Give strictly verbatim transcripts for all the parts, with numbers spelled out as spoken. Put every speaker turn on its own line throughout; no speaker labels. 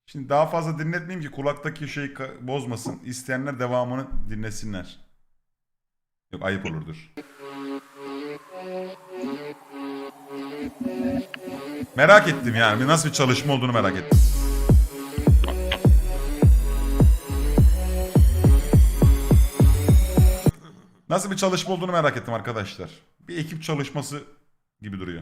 Şimdi daha fazla dinletmeyeyim ki kulaktaki şeyi bozmasın. İsteyenler devamını dinlesinler. Yok ayıp olurdur. Merak ettim yani. Nasıl bir çalışma olduğunu merak ettim. Nasıl bir çalışma olduğunu merak ettim arkadaşlar. Bir ekip çalışması gibi duruyor.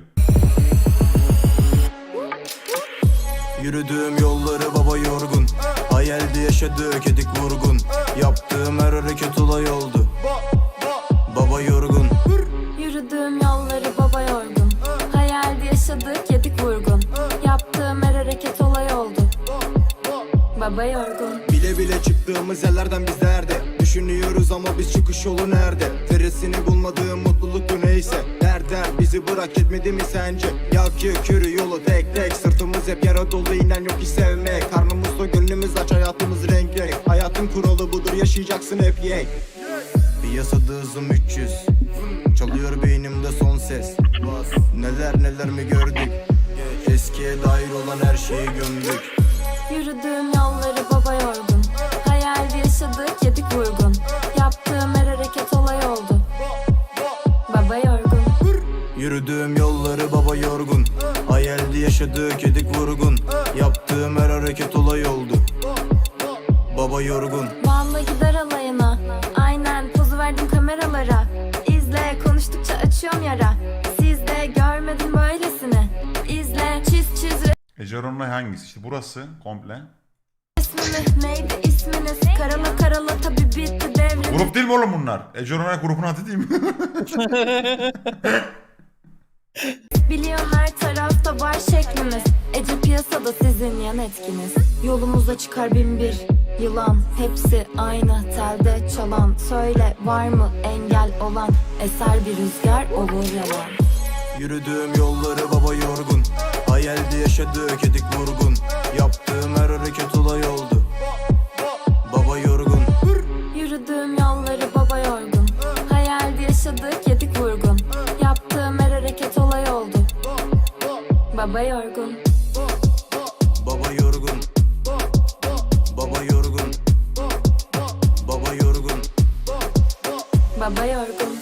Yürüdüğüm yolları baba yorgun, hayalde yaşadığı kedik vurgun. Yaptığım her hareket olay oldu, baba yorgun.
Yürüdüğüm yolları baba yorgun, hayalde yaşadığı kedik vurgun. Yaptığım her hareket olay oldu, baba yorgun.
Bile bile çıktığımız yerlerden biz nerede? Düşünüyoruz ama biz çıkış yolu nerede? Feresini bulmadığım mutluluk bu neyse. Der der bizi bırak etmedi mi sence? Yak yak yürü yolu tek tek. Sırtımız hep yara dolu, inen yok hiç sevmek. Karnımızda gönlümüz aç, hayatımız renk renk. Hayatın kuralı budur, yaşayacaksın hep yek. Piyasada hızım üç yüz, çalıyor beynimde son ses. Neler neler mi gördük? Eskiye dair olan her şeyi gömdük.
Yürüdüğüm yolları baba yorgun, hayalde yaşadığı kedik vurgun. Yaptığım her hareket olay oldu, baba yorgun.
Yürüdüğüm yolları baba yorgun, hayalde yaşadığı kedik vurgun. Yaptığım her hareket olay oldu, baba yorgun.
Vallahi gider alayına, aynen pozu verdim kameralara. İzle konuştukça açıyorum yara, siz de görmedin böylesini. İzle çiz çiz
Eceron'la hangisi? İşte burası komple.
resmini, neydi isminiz? Karala karala tabi bitti devrim.
Grup değil mi oğlum bunlar? Eceron'a grubun adı değil mi?
Biliyor her tarafta var şeklimiz. Ece piyasada sizin yan etkiniz. Yolumuza çıkar bin bir yılan, hepsi aynı telde çalan. Söyle var mı engel olan, eser bir rüzgar olur yalan.
Yürüdüğüm yolları baba yorgun, hayalde yaşadığı kedik vurgun. Yaptığım her hareket olay oldu, baba yorgun.
Yürüdüğüm yolları baba yorgun, hayalde yaşadığı kedik vurgun. Yaptığım her hareket olay oldu, baba yorgun.
Baba yorgun, baba yorgun, baba yorgun.
Baba yorgun.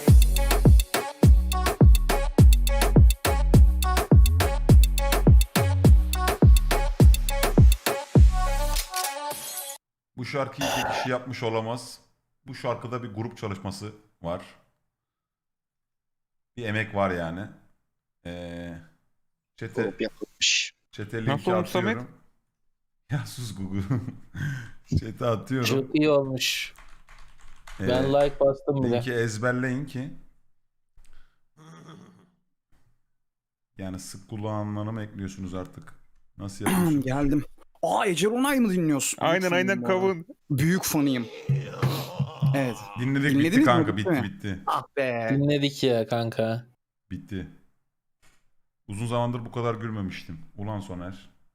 Bu şarkıyı iki kişi yapmış olamaz. Bu şarkıda bir grup çalışması var. Bir emek var yani. Ee, çete,
Grup yapılmış.
çete
Nasıl
linki
olmuş Samet?
atıyorum. Ya sus Google. Çete atıyorum.
Çok iyi olmuş.
Ee,
Ben like bastım bile.
linki ezberleyin ki yani sık kullananları mı ekliyorsunuz artık? Nasıl yapıyorsunuz?
Geldim. Aa Ece Ronay mı dinliyorsun?
Aynen
Büyük
aynen
fanıyım bu arada.
kavun.
Büyük fanıyım. Evet.
Dinledik bitti
Dinlediniz mi?
kanka
Bitti
bitti
mi?
bitti.
Ah be.
Dinledik ya kanka.
Bitti. Uzun zamandır bu kadar gülmemiştim. Ulan Soner.